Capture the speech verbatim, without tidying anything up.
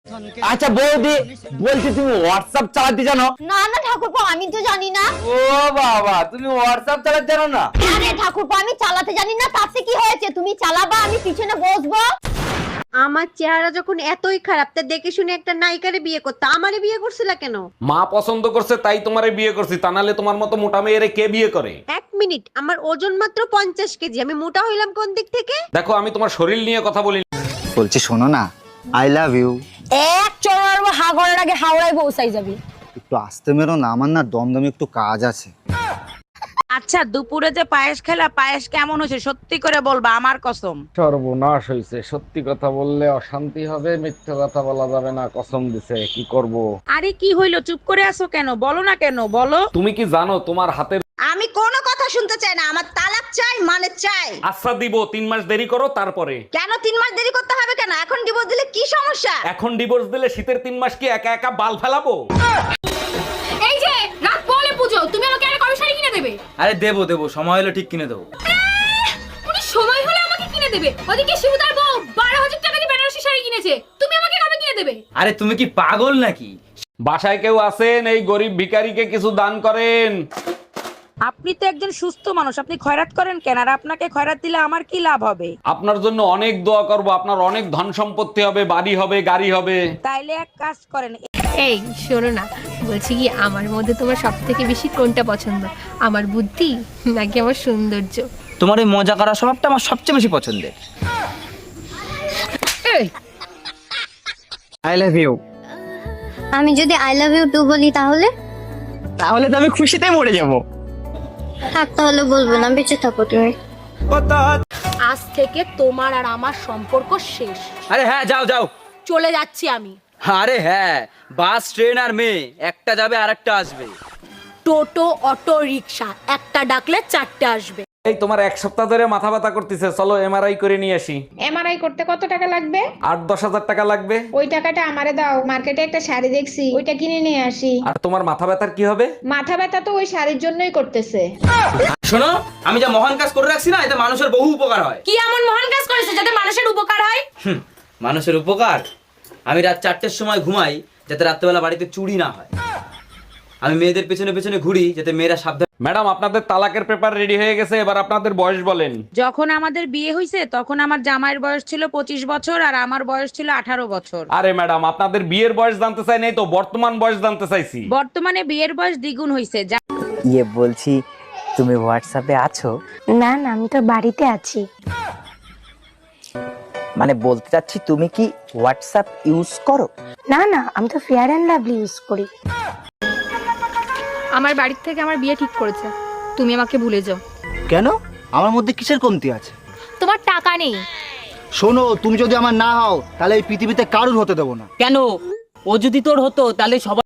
আচ্ছা বৌদি, বলছি তুমি হোয়াটসঅ্যাপ চালাতে জানো? না না ঠাকুরপো, আমি তো জানি না। ও বাবা, তুমি হোয়াটসঅ্যাপ চালাতে জানো না? আরে ঠাকুরপো, আমি চালাতে জানি না, তাতে কি হয়েছে? তুমি চালাবা, আমি পিছনে বসবো। আমার চেহারা যখন এতই খারাপ, তা দেখে শুনে একটা নায়িকারে বিয়ে করতে আমারে বিয়ে করছিলা কেন? মা পছন্দ করছে তাই তোমারে বিয়ে করছি, তা নাহলে তোমার মতো মোটা মেয়েরে কে বিয়ে করে? এক মিনিট, আমার ওজন মাত্র পঞ্চাশ কেজি, আমি মোটা হইলাম কোন দিক থেকে? দেখো, আমি তোমার শরীর নিয়ে কথা বলি। বলছি শোনো না, আই লাভ ইউ। এক চড়ার হা করার আগে হাওড়ায় পৌঁছাই যাবি। একটু আসতে মেরো না, আমার না দমদমে একটু কাজ আছে। আচ্ছা, দুপুরে যে পায়েস খেলা, পায়েস কেমন হয়েছে সত্যি করে বলবা, আমার কসম। সর্বনাশ হয়েছে, সত্যি কথা বললে অশান্তি হবে, মিথ্যা কথা বলা যাবে না, কসম দিছে, কি করব? আরে কি হইলো, চুপ করে আছো কেন? বলো না কেন, বলো। তুমি কি জানো তোমার হাতের? আমি কোনো কথা শুনতে চাই না, আমার তালাক চাই, মানে চাই। আচ্ছা দিব, তিন মাস দেরি করো তারপরে। কেন তিন মাস দেরি করতে হবে কেন? এখন ডিভোর্স দিলে কি সমস্যা? এখন ডিভোর্স দিলে শীতের তিন মাস কি একা একা বাল ফেলাবো? এই যে রাত পড়লে পুজো, তুমি আমাকে আরে কবে শাড়ি কিনে দেবে? আরে দেবো দেবো, সময় হলে ঠিক কিনে দেবো। উনি সময় হলে আমাকে কিনে দেবে। ওদিকে শিবুদার বউ বারো হাজার টাকা দিয়ে বেনারসি শাড়ি কিনেছে, তুমি আমাকে কবে কিনে দেবে? আরে তুমি কি পাগল নাকি? বাসায় কেউ আছেন? এই গরিব ভিখারিকে কিছু দান করেন। আপনি তো একজন সুস্থ মানুষ, আপনি খয়রাত করেন কেন? আর আপনাকে খয়রাত দিলে আমার কি লাভ হবে? আপনার জন্য অনেক দোয়া করব, আপনার অনেক ধন সম্পত্তি হবে, বাড়ি হবে, গাড়ি হবে। তাইলে এক কাজ করেন, এই শোনো না, বলছি কি আমার মধ্যে তোমার সব থেকে বেশি কোনটা পছন্দ? আমার বুদ্ধি নাকি আমার সৌন্দর্য? তোমার এই মজা করার স্বভাবটা আমার সবচেয়ে বেশি পছন্দের। এই আই লাভ ইউ। আমি যদি আই লাভ ইউ টু বলি তাহলে? তাহলে তো আমি খুশিতে মরে যাবো। থাক, তাহলে বলবো না, বেঁচে থাকো তুমি। আজ থেকে তোমার আর আমার সম্পর্ক শেষ। আরে হ্যাঁ, যাও যাও। চলে যাচ্ছি আমি। আরে হ্যাঁ, বাস ট্রেন আর মেয়ে, একটা যাবে আর একটা আসবে। টোটো অটো রিকশা, একটা ডাকলে চারটে আসবে। এই তোমার এক সপ্তাহ ধরে মাথা ব্যথা করতেছে, চলো এমআরআই করে নিয়ে আসি। এমআরআই করতে কত টাকা লাগবে? আট দশ হাজার টাকা লাগবে। ওই টাকাটা আমারে দাও, মার্কেটে একটা শাড়ি দেখছি, ওইটা কিনে নিয়ে আসি। আর তোমার মাথা ব্যথার কি হবে? মাথা ব্যথা তো ওই শাড়ির জন্যই করতেছে। শোনো, আমি যা মহান কাজ করে রাখছি না, এতে মানুষের বহু উপকার হয়। কি এমন মহান কাজ করেছে যাতে মানুষের উপকার হয়? হুম, মানুষের উপকার? আমি রাত চারটের সময় ঘুমাই যাতে রাত্রেবেলা বাড়িতে চুরি না হয়। আমি মেয়েদের পেছনে পেছনে ঘুরি যাতে মেয়েরা সাবধান। ম্যাডাম, আপনাদের তালাকের পেপার রেডি হয়ে গেছে, এবার আপনাদের বয়স বলেন। যখন আমাদের বিয়ে হয়েছে তখন আমার জামাইয়ের বয়স ছিল পঁচিশ বছর আর আমার বয়স ছিল আঠারো বছর। আরে ম্যাডাম, আপনাদের বিয়ের বয়স জানতে চাই নাই তো, বর্তমান বয়স জানতে চাইছি। বর্তমানে বিয়ের বয়স দ্বিগুণ হয়েছে। ইয়ে বলছি, তুমি হোয়াটসঅ্যাপে আছো? না না, আমি তো বাড়িতে আছি। মানে বলতে চাচ্ছি, তুমি কি হোয়াটসঅ্যাপ ইউজ করো? না না, আমি তো ফেয়ার অ্যান্ড লাভলি ইউজ করি। আমার বাড়ির থেকে আমার বিয়ে ঠিক করেছে, তুমি আমাকে ভুলে যাও। কেন? আমার মধ্যে কিসের কমতি আছে? তোমার টাকা নেই। শোনো, তুমি যদি আমার না হও তাহলে এই পৃথিবীতে কারুর হতে দেবো না। কেন? ও যদি তোর হতো তাহলে সবাই